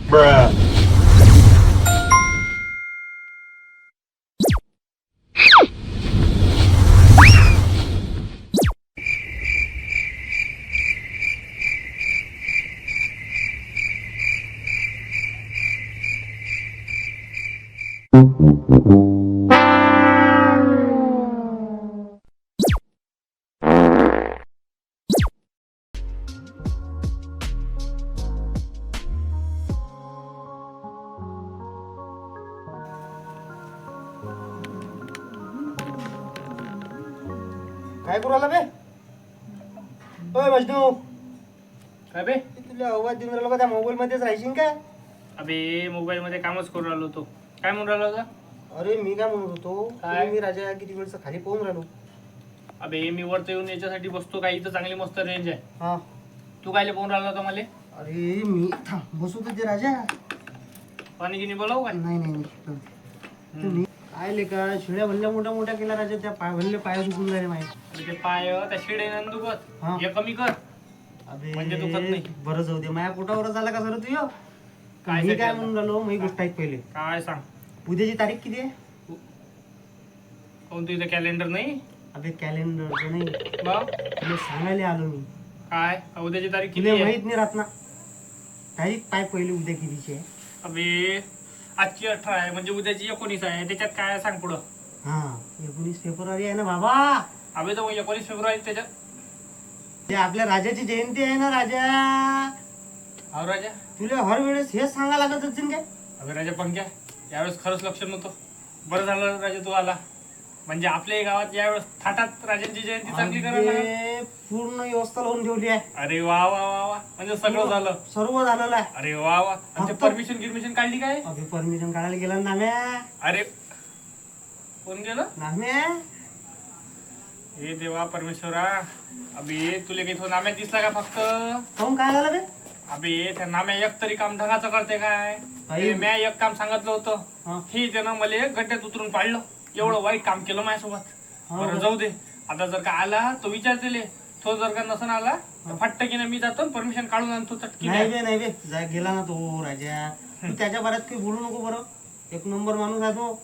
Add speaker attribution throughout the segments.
Speaker 1: काय करू आला बे? ओय मजनू,
Speaker 2: काय बे?
Speaker 1: तुला आवाज देऊन राहिलो का त्या मोबाईल मध्येच राहायशील काय?
Speaker 2: अबे मोबाईल मध्ये कामच करून राहिलो होतो. काय म्हणून राहिलो होता?
Speaker 1: अरे मी काय म्हणत होतो,
Speaker 2: काय?
Speaker 1: मी राजा किती वेळचं खाली पाहून राहिलो.
Speaker 2: अबे मी वरती येऊन याच्यासाठी बसतो काय, इथं चांगली मस्त रेंज आहे.
Speaker 1: हा
Speaker 2: तू कायले पाहून राहिला होता मला?
Speaker 1: अरे मी थांब बसू तुझे राजा.
Speaker 2: पाणी गिनी बोलावू काय?
Speaker 1: नाही नाही तुम्ही काय लेका शिड्या भल्ल्या मोठ्या मोठ्या केल्या राजा, त्या भल्ले पाय दुखून झाले माहिती.
Speaker 2: ते पाय त्या शिडे नंद दुखत
Speaker 1: हा.
Speaker 2: हे कमी कर.
Speaker 1: अबे
Speaker 2: म्हणजे दुखत नाही.
Speaker 1: बरं जाऊ दे, माझ्या पोटावर झाला का सर तुझ्या?
Speaker 2: काय
Speaker 1: मी
Speaker 2: साठी
Speaker 1: काय
Speaker 2: आला?
Speaker 1: म्हणून राहिलो, मी गोष्ट ऐक पहिले.
Speaker 2: काय सांग?
Speaker 1: उद्याची तारीख किती आहे?
Speaker 2: कोणतं इथं कॅलेंडर नाही?
Speaker 1: अबे कॅलेंडरचं नाही,
Speaker 2: मग
Speaker 1: तुला सांगायला आलो मी.
Speaker 2: काय उद्याची तारीख किती
Speaker 1: तुला
Speaker 2: आहे?
Speaker 1: माहित नाही राहत ना तारीख पाय पहिले उद्या कितीची आहे?
Speaker 2: अबे आजची 18 आहे म्हणजे उद्याची 19 आहे. त्याच्यात काय सांग पुढं?
Speaker 1: हा 19 फेब्रुवारी आहे ना बाबा.
Speaker 2: अबे तर 19 फेब्रुवारी त्याच्यात.
Speaker 1: ते आपल्या राजाची जयंती आहे ना राजा.
Speaker 2: हा राजा.
Speaker 1: तुला हर वेळेस हेच सांगा लागत असेल काय?
Speaker 2: अबे राजा पंक्या, यावेळेस खरंच लक्ष नव्हतं. बरं झालं राजा तू आला. म्हणजे आपल्या गावात यावेळेस थाटात राजांची जयंती चांगली करायला लागली.
Speaker 1: अबे, पूर्ण व्यवस्था लावून ठेवली आहे.
Speaker 2: अरे वा वा वा वा, म्हणजे सगळं झालं.
Speaker 1: सर्व झालेलं आहे.
Speaker 2: अरे वा वा. आणि
Speaker 1: फक्त-
Speaker 2: परमिशन काढली काय?
Speaker 1: अबे परमिशन काढायला गेला ना नाम्या.
Speaker 2: अरे कोण गेलं?
Speaker 1: नाम्या
Speaker 2: हे देवा परमेश्वरा. अबे तुला काही तो नाम्यात दिसला का फक्त?
Speaker 1: काहून काय झालं बे?
Speaker 2: अबे त्या नाम्या एक तरी काम ढगाचं करते काय?
Speaker 1: आई.
Speaker 2: ते म्या एक काम सांगितलं होतं,
Speaker 1: हा.
Speaker 2: हे त्यानं मला गड्ड्यात उतरून पाडलं. एवढं वाईट काम केलं माझ्यासोबत.
Speaker 1: हा.
Speaker 2: बरं जाऊ दे. आता जर का आला तो विचार दिले, तो जर का नसन आला तर फटकीने मी जातो परमिशन काढून आणतो चटकी.
Speaker 1: नाही बे नाही बे, गेला ना तो राजा. तू त्याच्या बऱ्यात काही बोलू नको बरं. एक नंबर माणूस आहे तो.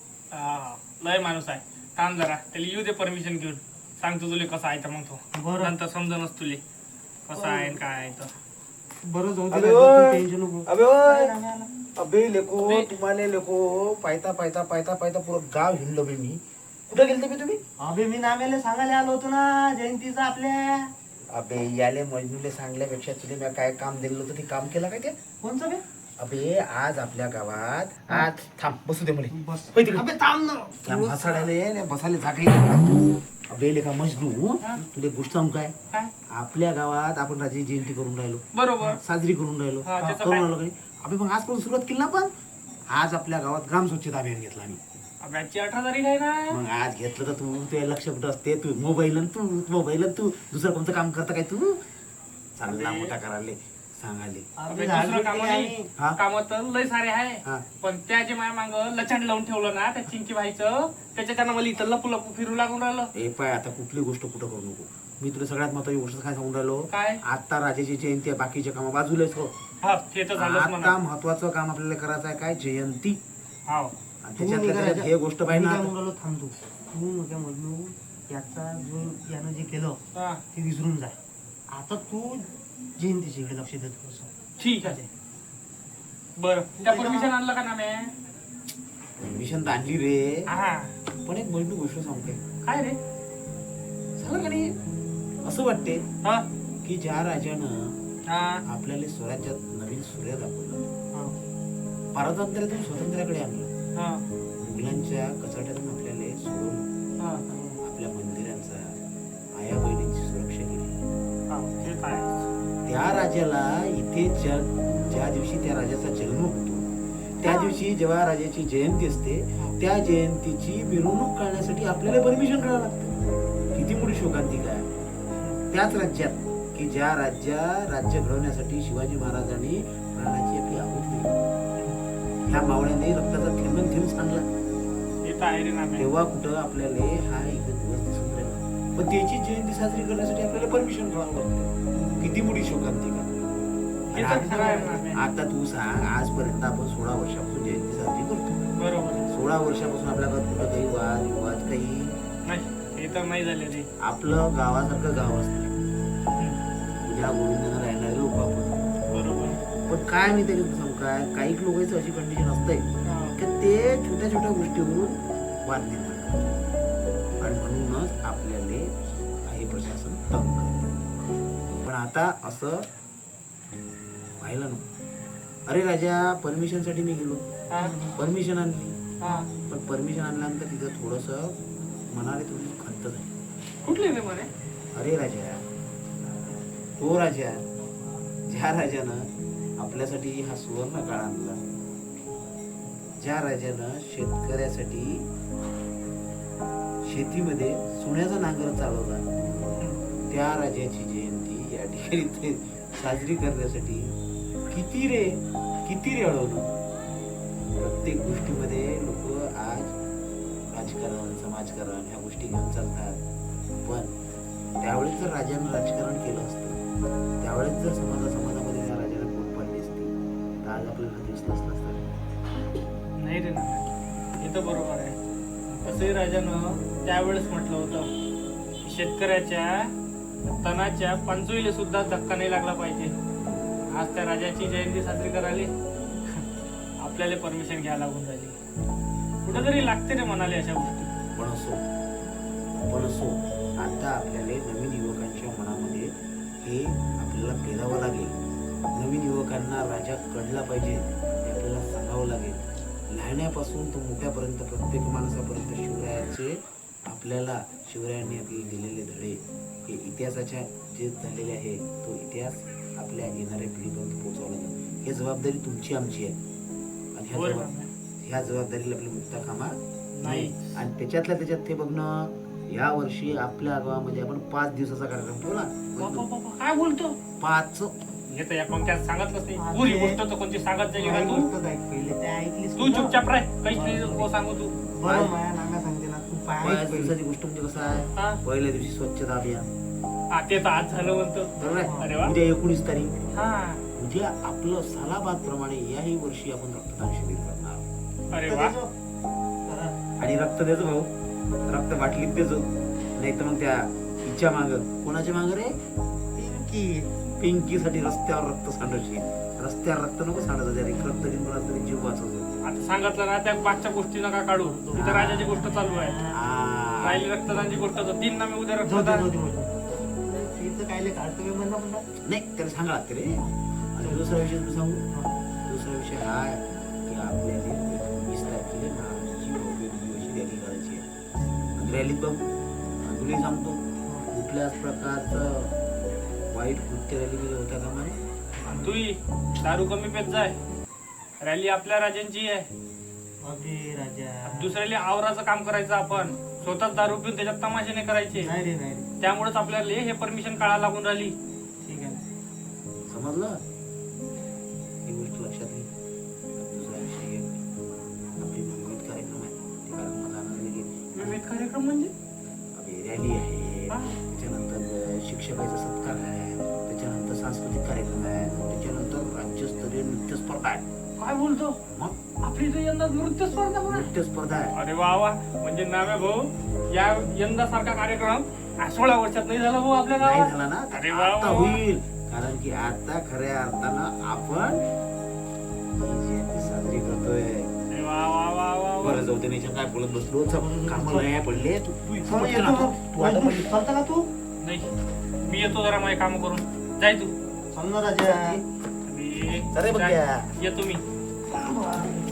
Speaker 2: लय माणूस आहे. थांब जरा त्याला येऊ दे परमिशन घेऊन. सांगतो तुले कसा आहे तर मग तो.
Speaker 1: बरं.
Speaker 2: नंतर समजणच तुले कसा आहे आणि काय आहे तर.
Speaker 1: बरं जाऊ दे
Speaker 3: अबे
Speaker 1: राजा,
Speaker 3: ओय.
Speaker 1: तू टेन्शन नको.
Speaker 3: अबे ओय.
Speaker 1: अरे नाम्या आला.
Speaker 3: अबे लेको तुम्हाला लेको पायता पायता पायता पायता पुरं गाव हिंडलो बे मी. कुठे गेलते बे तुम्ही?
Speaker 1: अबे मी नाम्याला सांगायला आलो होतो ना जयंतीचं आपल्या.
Speaker 3: अबे याले मजनूले सांगल्यापेक्षा तुला मी काय काम दिलं होतं ते काम केलं काय ते?
Speaker 1: कोणचं बे?
Speaker 3: अबे आज आपल्या गावात आज थांब बसू दे मला.
Speaker 1: बस.
Speaker 3: होय तिकडे.
Speaker 1: अबे थांब ना.
Speaker 3: त्या म्हासाड्याले बसायला जागा. अबे लेका मजनू तुला एक गोष्ट सांगू काय?
Speaker 2: काय?
Speaker 3: आपल्या गावात आपण राजाची जयंती करून राहिलो,
Speaker 2: बरोबर.
Speaker 3: साजरी करून राहिलो,
Speaker 2: हा, त्याचं
Speaker 3: करून
Speaker 2: काय?
Speaker 3: राहिलो काही. अबे मग आजपासून सुरुवात केली ना आपण. आज आपल्या गावात ग्राम स्वच्छता अभियान घेतला आम्ही.
Speaker 2: अबे आजची 18 तारीख आहे ना.
Speaker 3: मग आज घेतलं तर तू तुझ्या लक्ष कुठं असते? तू मोबाईल तू दुसरं कोणतं काम करता काय तू? चांगला मोठा करायला सांगाले.
Speaker 2: अबे
Speaker 1: झालं
Speaker 2: दुसरं
Speaker 1: ते
Speaker 2: काम
Speaker 1: आहे.
Speaker 2: नाही.
Speaker 3: हा.
Speaker 2: काम तर लय सारे आहे.
Speaker 3: हा.
Speaker 2: पण त्या जे माया मांग लचंड लावून ठेवलं ना त्या चिंकी भाईचं, त्याच्या त्यानं मला इथं लपू लपू फिरू लागून राहिलं.
Speaker 3: ए पाय आता कुठली गोष्ट कुठं करू नको. मी तुला सगळ्यात महत्वाची गोष्ट काय सांगून राहिलो?
Speaker 2: काय?
Speaker 3: आता राजाची जयंती आहे, बाकीचे काम बाजूलाच हो.
Speaker 2: हा ते तर झालंच
Speaker 3: आता
Speaker 2: म्हणा.
Speaker 3: महत्वाचं काम आपल्याला करायचं आहे काय? जयंती.
Speaker 2: हाव.
Speaker 3: आणि
Speaker 1: तू
Speaker 3: त्याच्यातल्या
Speaker 1: निघा
Speaker 3: त्याच्यात
Speaker 1: राजा.
Speaker 3: हे गोष्ट
Speaker 1: मी
Speaker 3: पाहिजे
Speaker 1: काय
Speaker 3: ना.
Speaker 1: म्हणून राहिलो, थांब तू. तू नका म्हणू. याचा जो यानं जे केलं
Speaker 2: हा.
Speaker 1: ते विसरून जाय. आता तू जयंतीच्या इकडे लक्ष देत बस.
Speaker 2: ठीक आहे. बरं त्या परमिशन आणलं का ना मी?
Speaker 3: परमिशन आणली रे.
Speaker 2: हा.
Speaker 3: पण एक मोठी गोष्ट सांगते.
Speaker 2: काय रे?
Speaker 3: झालं का नाही? असं वाटते
Speaker 2: हा.
Speaker 3: की ज्या राजानं
Speaker 2: हा.
Speaker 3: आपल्याला स्वराज्यात नवीन सूर्य दाखवलं,
Speaker 1: हा.
Speaker 3: पारतंत्र्यातून स्वातंत्र्याकडे आणलं,
Speaker 2: हा.
Speaker 3: मुघलांच्या कचाट्यातून आपल्याला सोडून
Speaker 2: हा.
Speaker 3: आपल्या मंदिरांचा, आया बहिणींची सुरक्षा केली.
Speaker 2: हा. ते काय?
Speaker 3: त्या राजाला इथे ज्या दिवशी त्या राजाचा जन्म होतो त्या दिवशी जेव्हा राजाची जयंती असते त्या जयंतीची मिरवणूक काढण्यासाठी आपल्याला परमिशन काढावं लागतं. किती मोठी शोकांतिका आहे. त्याच राज्यात की ज्या राज्य घडवण्यासाठी शिवाजी महाराजांनी प्राणाची आपली आहुती दिली, ह्या मावळ्याने रक्ताचा थेंब सांडला.
Speaker 2: हे तर आहे रे ना मी.
Speaker 3: तेव्हा कुठं आपल्याला हा एक दिवस दिसून राहिला. पण त्याची जयंती साजरी करण्यासाठी आपल्याला परमिशन घ्यावं लागतं. किती मोठी शोकांतिका.
Speaker 2: हे तर खरं आहे ना.
Speaker 3: आता तू सांग, आजपर्यंत आपण 16 वर्षापासून जयंती साजरी करतो.
Speaker 2: बरोबर
Speaker 3: 16 वर्षापासून आपल्या गावात कुठं काही वाद विवाद काही
Speaker 2: नाही, हे तर नाही झाले रे.
Speaker 3: आपलं गावासारखं गाव असतं, उद्या गोविंदानं राहणारे लोक आपण.
Speaker 2: बरोबर.
Speaker 3: पण काय मी तरी सांगू काय, काही लोकांची अशी कंडिशन असते
Speaker 2: हा.
Speaker 3: की ते छोट्या छोट्या गोष्टीवरून वाद निर्माण करतात आणि म्हणूनच आपल्याला काही प्रशासन तंग करते. पण आता असं व्हायला नको. अरे राजा, परमिशन साठी मी गेलो,
Speaker 2: हा.
Speaker 3: परमिशन आणली,
Speaker 2: हा.
Speaker 3: पण परमिशन आणल्यानंतर तिथं थोडस मनाने थोडी खंत झाली.
Speaker 2: कुठली रे म्हणे?
Speaker 3: अरे राजा, तो राजा ज्या राजानं आपल्यासाठी हा सुवर्ण काळ आणला, ज्या राजानं शेतकऱ्यासाठी शेतीमध्ये सोन्याचा नांगर चालवला, त्या राजाची जयंती या ठिकाणी ते साजरी करण्यासाठी किती रे अडवलं. प्रत्येक गोष्टीमध्ये लोक आज राजकारण समाजकारण ह्या गोष्टी घेऊन चालतात. पण त्यावेळेस जर राजानं राजकारण केलं असतं, त्यावेळेस जर समाजामध्ये त्या राजाला पोट पाडली असती, तर आज आपल्याला दिसलं असतं.
Speaker 2: नाही रे ना, हे तर बरोबर आहे. तसंही राजानं त्यावेळेस म्हटलं होतं की शेतकऱ्याच्या तणाच्या पंचवीला सुद्धा धक्का नाही लागला पाहिजे. आज त्या राजाची जयंती साजरी करायला आपल्याला परमिशन घ्यायला लागून राहिली. कुठेतरी लागते रे म्हणाले अशा गोष्टी.
Speaker 3: पण असो आता आपल्याला नवीन युवकांच्या मनामध्ये हे आपल्याला पेरावं लागेल. नवीन युवकांना राजा कळला पाहिजे हे आपल्याला सांगावं लागेल. लहान्यापासून तो मोठ्यापर्यंत प्रत्येक माणसापर्यंत शिवरायाचे आपल्याला शिवरायांनी आपल्याला दिलेले धडे, हे इतिहासाच्या जे झालेले आहे, तो इतिहास आपल्या येणाऱ्या पिढीपर्यंत पोहोचवला लागेल. ही जबाबदारी तुमची आमची आहे आणि ह्या जबाबदारीला आपली मुक्ता कामा नाही. आणि त्याच्यात ते बघणं, या वर्षी आपल्या गावामध्ये आपण 5 दिवसाचा कार्यक्रम ठेवला.
Speaker 2: काय बोलतो?
Speaker 3: 5
Speaker 2: हे तर या पंक्यात सांगितलंच नाही. पुरी गोष्ट तर कोणती सांगत जाईल का तू?
Speaker 1: पहिले ते ऐकलीस
Speaker 2: तू चुपचाप राह, काहीच नाही नको सांगू तू.
Speaker 1: बरं माया नांगा सांगते ना, तू पाय
Speaker 3: 5
Speaker 1: ऐक पहिले.
Speaker 3: दिवसाची गोष्ट म्हणजे कसं आहे,
Speaker 2: हा?
Speaker 3: पहिल्या दिवशी स्वच्छता अभियान,
Speaker 2: हा, ते तर आज झालं म्हणतो.
Speaker 3: बरोबर
Speaker 2: अरे
Speaker 3: आहे.
Speaker 2: वा.
Speaker 3: उद्या 19 तारीख,
Speaker 2: हा.
Speaker 3: उद्या आपलं सालाबाद प्रमाणे याही वर्षी आपण रक्तदान शिबिर करणार.
Speaker 2: अरे वा.
Speaker 3: आणि रक्त द्यायचं भाऊ, रक्त बाटलीत द्यायचं, नाही तर मग त्या हिच्या माग, कोणाच्या माग रे, पिंकीसाठी रस्त्यावर रक्त सांडायची. रस्त्यावर रक्त नको सांडायचं, त्या रक्त देऊन कोणाचा तरी जीव वाचवतो.
Speaker 2: आता सांगितलं ना, त्या मागच्या गोष्टी नका काढू. इथं राजाची गोष्ट चालू आहे. राहिली रक्तदानची गोष्ट तर दिन ना मी उद्या रक्तदान.
Speaker 1: काय काढतो म्हणा म्हणा
Speaker 3: नाही, त्याला सांगा लागते रे. आणि दुसरा विषय तुला सांगू, दुसरा विषय हा आहे की आपल्याला 20 तारखेला महाराजांची भव्य दिव्य अशी रॅली करायची आहे. रॅलीत बघ, तुला सांगतो, कुठल्याच प्रकारचं वाईट कृत्य रॅलीमध्ये होत्या कामा नये.
Speaker 2: आणि तूही दारू कमी पेत जाय. रॅली आपल्या राजांची आहे.
Speaker 1: अगे राजा,
Speaker 2: दुसऱ्याला आवराचं काम करायचं आपण. स्वतःच दारू पिऊन त्याच्यात तमाशे नाही करायचे.
Speaker 1: नाही रे, नाही रे.
Speaker 2: त्यामुळेच आपल्याला हे परमिशन काढायला लागून राहिली.
Speaker 1: ठीक आहे.
Speaker 3: समजलं? ही गोष्ट लक्षात घे. दुसरा विषय घे, आपले विविध कार्यक्रम आहेत, ते कार्यक्रमात जाणार नाही.
Speaker 2: विविध कार्यक्रम म्हणजे
Speaker 3: रॅली आहे,
Speaker 2: हा.
Speaker 3: त्याच्यानंतर शिक्षकाचा सत्कार आहे, त्याच्यानंतर सांस्कृतिक कार्यक्रम आहे, त्याच्यानंतर राज्यस्तरीय नृत्य स्पर्धा आहे.
Speaker 2: काय बोलतो?
Speaker 3: मग
Speaker 2: आपली तर यंदा नृत्य स्पर्धा पण आहे.
Speaker 3: नृत्य स्पर्धा आहे.
Speaker 2: अरे वा वा. म्हणजे नामे भाऊ, या यंदा सारखा कार्यक्रम 16 वर्षात नाही झाला भाऊ आपल्या
Speaker 3: नाही
Speaker 2: गावात.
Speaker 3: झाला ना,
Speaker 2: अरे वा
Speaker 3: आता
Speaker 2: वा.
Speaker 3: होईल. कारण की आता खऱ्या अर्थानं आपण ही जयंती साजरी करतोय.
Speaker 2: अरे वा वा वा वा वा.
Speaker 3: बरं, जाऊ दे, नाही काय बोलत बसलो, कामाला नाही पडले. तू
Speaker 1: समज येतो का?
Speaker 3: तू आता पडली.
Speaker 1: चालतं का तू?
Speaker 2: नाही, मी येतो जरा माझे काम करून. जाय तू.
Speaker 1: समजा राजा.
Speaker 2: मी
Speaker 3: अरे बघ
Speaker 2: जाय.
Speaker 3: या.
Speaker 2: येतो मी.